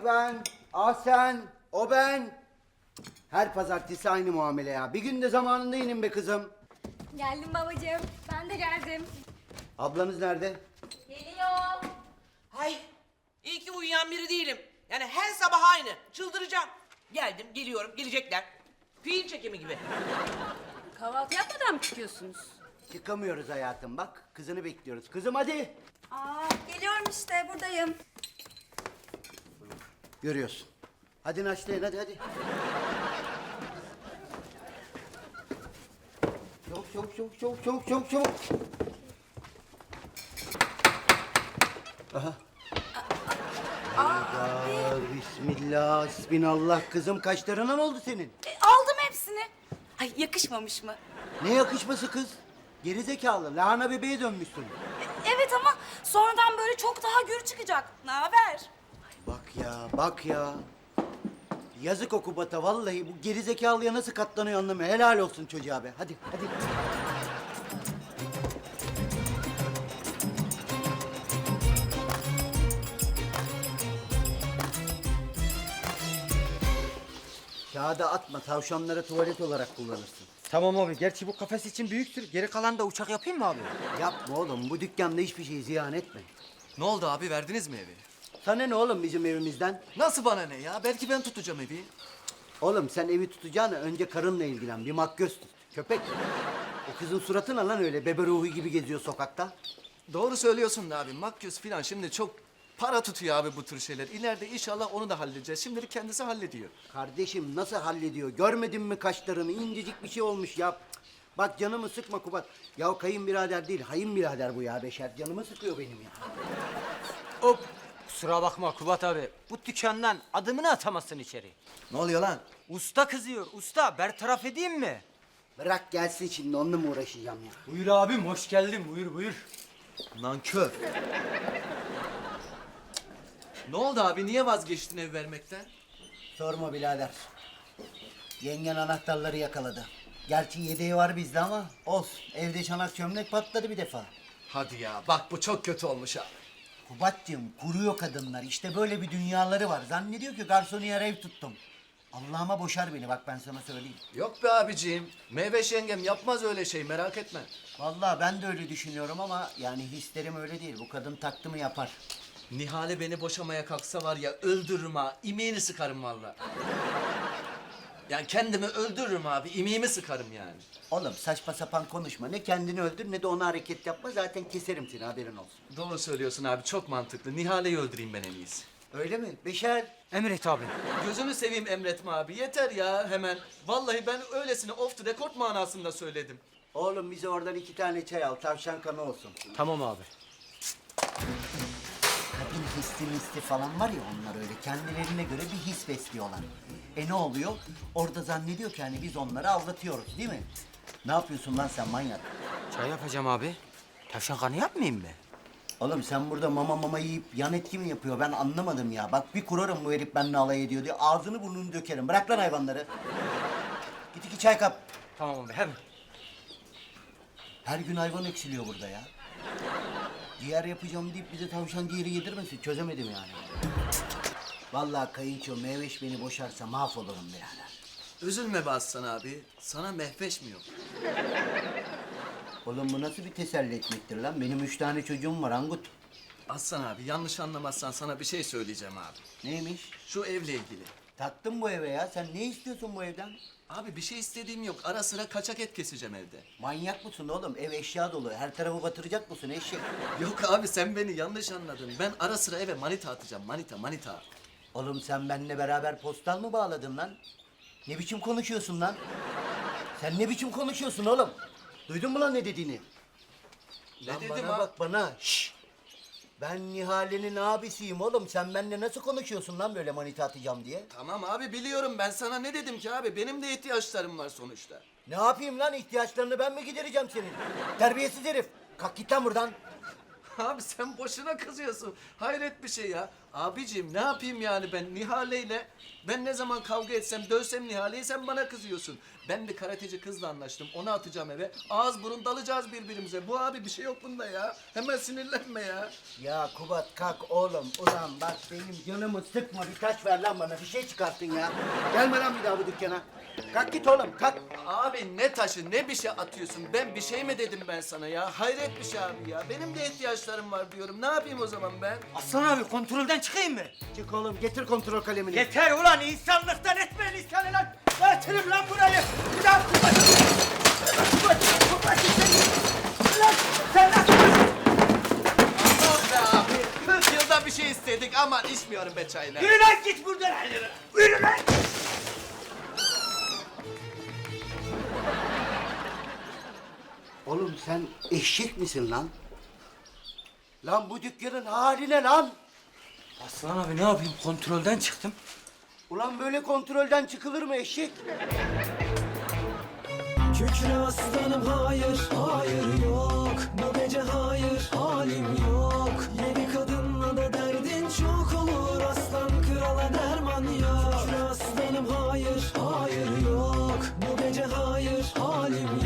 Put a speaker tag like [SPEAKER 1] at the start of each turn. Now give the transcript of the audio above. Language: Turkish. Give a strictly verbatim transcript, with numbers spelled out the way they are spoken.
[SPEAKER 1] Ay ben, ah sen, o ben. Her pazartesi aynı muamele ya. Bir gün de zamanında inin be kızım.
[SPEAKER 2] Geldim babacığım. Ben de geldim.
[SPEAKER 1] Ablanız nerede?
[SPEAKER 2] Geliyor.
[SPEAKER 3] Ay, iyi ki uyuyan biri değilim. Yani her sabah aynı. Çıldıracağım. Geldim, geliyorum, gelecekler. Fiil çekimi gibi.
[SPEAKER 4] Kahvaltı yapmadan mı çıkıyorsunuz?
[SPEAKER 1] Çıkamıyoruz hayatım bak. Kızını bekliyoruz. Kızım hadi.
[SPEAKER 2] Aa, geliyorum işte buradayım.
[SPEAKER 1] Görüyorsun. Hadi naşlayın hadi hadi. Çabuk çabuk çabuk çabuk çabuk çabuk çabuk. Aha. Hayda, bismillah, bismillah. Kızım kaşlarına ne oldu senin?
[SPEAKER 4] E, aldım hepsini. Ay yakışmamış mı?
[SPEAKER 1] Ne yakışması kız? Gerizekalı, lahana bebeğe dönmüşsün.
[SPEAKER 4] E, evet ama sonradan böyle çok daha gür çıkacak. Ne haber?
[SPEAKER 1] Bak ya, bak ya. Yazık o Kubat'a vallahi bu gerizekalıya nasıl katlanıyor anlamıyor. Helal olsun çocuğa be. Hadi, hadi. Kağıda atma, tavşanlara tuvalet olarak kullanırsın.
[SPEAKER 5] Tamam abi. Gerçi bu kafes için büyüktür. Geri kalan da uçak yapayım mı abi?
[SPEAKER 1] Yapma oğlum, bu dükkanda hiçbir şey ziyan etme.
[SPEAKER 6] Ne oldu abi, verdiniz mi evi?
[SPEAKER 1] Sana ne oğlum bizim evimizden?
[SPEAKER 6] Nasıl bana ne ya? Belki ben tutacağım evi.
[SPEAKER 1] Oğlum sen evi tutacağına önce karınla ilgilen, bir makyöz tut. Köpek. O kızın suratı ne lan öyle, bebe ruhu gibi geziyor sokakta?
[SPEAKER 6] Doğru söylüyorsun da abi. Makyöz falan şimdi çok para tutuyor abi bu tür şeyler. İleride inşallah onu da halledeceğiz. Şimdilik kendisi hallediyor.
[SPEAKER 1] Kardeşim nasıl hallediyor? Görmedin mi kaşlarını? İncecik bir şey olmuş ya. Cık. Bak canımı sıkma Kubat. Ya kayınbirader değil, hayınbirader bu ya Beşer. Canımı sıkıyor benim ya.
[SPEAKER 5] Hop. Kusura bakma Kubat abi. Bu dükkandan adımını atamazsın içeri.
[SPEAKER 6] Ne oluyor lan?
[SPEAKER 5] Usta kızıyor. Usta bertaraf edeyim mi?
[SPEAKER 1] Bırak gelsin şimdi, onunla mı uğraşacağım ya?
[SPEAKER 5] Buyur abim. Hoş geldin. Buyur buyur.
[SPEAKER 6] Nankör. Ne oldu abi? Niye vazgeçtin ev vermekten?
[SPEAKER 1] Sorma birader. Yengen anahtarları yakaladı. Gerçi yedeği var bizde ama olsun. Evde çanak çömlek patladı bir defa.
[SPEAKER 6] Hadi ya. Bak bu çok kötü olmuş abi.
[SPEAKER 1] Kubat'cığım kuruyor kadınlar. İşte böyle bir dünyaları var. Zannediyor ki garsoniyer ev tuttum. Allah'ıma boşar beni bak ben sana söyleyeyim.
[SPEAKER 6] Yok be abiciğim. Meyveş yengem yapmaz öyle şey, merak etme.
[SPEAKER 1] Vallahi ben de öyle düşünüyorum ama yani hislerim öyle değil. Bu kadın taktı mı yapar.
[SPEAKER 6] Nihale beni boşamaya kalksa var ya, öldürürüm ha. İmeğini sıkarım vallahi. Yani kendimi öldürürüm abi. İmeğimi sıkarım yani.
[SPEAKER 1] Oğlum saçma sapan konuşma. Ne kendini öldür ne de ona hareket yapma. Zaten keserim seni, haberin olsun.
[SPEAKER 6] Doğru söylüyorsun abi. Çok mantıklı. Nihale'yi öldüreyim ben en iyisi.
[SPEAKER 1] Öyle mi? Beşer.
[SPEAKER 5] Emret abi.
[SPEAKER 6] Gözünü seveyim emretme abi. Yeter ya hemen. Vallahi ben öylesine off the record manasında söyledim.
[SPEAKER 1] Oğlum bize oradan iki tane çay al. Tavşan kanı olsun.
[SPEAKER 5] Tamam abi.
[SPEAKER 1] Kadın hissi misli falan var ya, onlar öyle kendilerine göre bir his besliyorlar. E ne oluyor? Orada zannediyor ki hani biz onları aldatıyoruz değil mi? Ne yapıyorsun lan sen manyak?
[SPEAKER 5] Çay yapacağım abi. Tavşan kanı yapmayayım mı?
[SPEAKER 1] Oğlum sen burada mama mama yiyip yan etki mi yapıyor? Ben anlamadım ya. Bak bir kurarım bu herif benimle alay ediyor diye. Ağzını burnunu dökerim. Bırak lan hayvanları. Git iki çay kap.
[SPEAKER 5] Tamam abi hemen.
[SPEAKER 1] Her gün hayvan eksiliyor burada ya. Ciğer yapacağım deyip bize tavşan ciğeri yedirmesin. Çözemedim yani. Vallahi kayınço Meyveş beni boşarsa mahvolurum birader.
[SPEAKER 6] Üzülme be Aslan abi. Sana mehveş mi yok?
[SPEAKER 1] Oğlum bu nasıl bir teselli etmektir lan? Benim üç tane çocuğum var Angut.
[SPEAKER 6] Aslan abi yanlış anlamazsan sana bir şey söyleyeceğim abi.
[SPEAKER 1] Neymiş?
[SPEAKER 6] Şu evle ilgili.
[SPEAKER 1] Taktın bu eve ya. Sen ne istiyorsun bu evden?
[SPEAKER 6] Abi bir şey istediğim yok. Ara sıra kaçak et keseceğim evde.
[SPEAKER 1] Manyak mısın oğlum? Ev eşya dolu. Her tarafı batıracak mısın eşek?
[SPEAKER 6] Yok abi sen beni yanlış anladın. Ben ara sıra eve manita atacağım. Manita manita.
[SPEAKER 1] Oğlum sen benimle beraber postal mı bağladın lan? Ne biçim konuşuyorsun lan? Sen ne biçim konuşuyorsun oğlum? Duydun mu lan ne dediğini?
[SPEAKER 6] Ne
[SPEAKER 1] Lan
[SPEAKER 6] dedim
[SPEAKER 1] bana
[SPEAKER 6] abi?
[SPEAKER 1] bak bana. Şşş. Ben Nihale'nin abisiyim oğlum. Sen benimle nasıl konuşuyorsun lan böyle manita atacağım diye?
[SPEAKER 6] Tamam abi biliyorum. Ben sana ne dedim ki abi? Benim de ihtiyaçlarım var sonuçta.
[SPEAKER 1] Ne yapayım lan, ihtiyaçlarını ben mi gidereceğim senin? Terbiyesiz herif. Kalk git lan buradan.
[SPEAKER 6] Abi sen boşuna kızıyorsun. Hayret bir şey ya. Abicim ne yapayım yani ben Nihale'yle? Ben ne zaman kavga etsem, dövsem Nihale'yi sen bana kızıyorsun. Ben bir karateci kızla anlaştım. Onu atacağım eve. Ağız burun dalacağız birbirimize. Bu abi bir şey yok bunda ya. Hemen sinirlenme ya.
[SPEAKER 1] Ya Kubat kalk oğlum. Ulan bak benim canımı sıkma. Bir taş ver lan bana. Bir şey çıkarttın ya. Gelme lan bir daha bu dükkana. Kalk git oğlum kalk.
[SPEAKER 6] Abi ne taşı ne bir şey atıyorsun. Ben bir şey mi dedim ben sana ya? Hayret bir şey abi ya. Benim de ihtiyaçlarım var diyorum. Ne yapayım o zaman ben?
[SPEAKER 5] Aslan abi kontrolden çıkayım mı?
[SPEAKER 1] Çık oğlum getir kontrol kalemini.
[SPEAKER 5] Yeter ulan insanlıktan etmeyin insanı lan. Getirin lan burayı. Bir daha Kubat. Kubat, Kubat sen. Lan sen nasıl?
[SPEAKER 6] Aman be abi. kırk yılda bir şey istedik. Aman içmiyorum be çayla.
[SPEAKER 5] Yürü lan git buradan. Yürü lan.
[SPEAKER 1] Oğlum sen eşek misin lan? Lan bu dükkanın haline lan.
[SPEAKER 5] Aslan abi ne yapayım kontrolden çıktım.
[SPEAKER 1] Ulan böyle kontrolden çıkılır mı eşek?
[SPEAKER 7] Kükre aslanım hayır, hayır yok. Bu gece hayır, halim yok. Yeni kadınla da derdin çok olur. Aslan krala derman yok. Kükre aslanım hayır, hayır yok. Bu gece hayır, halim yok.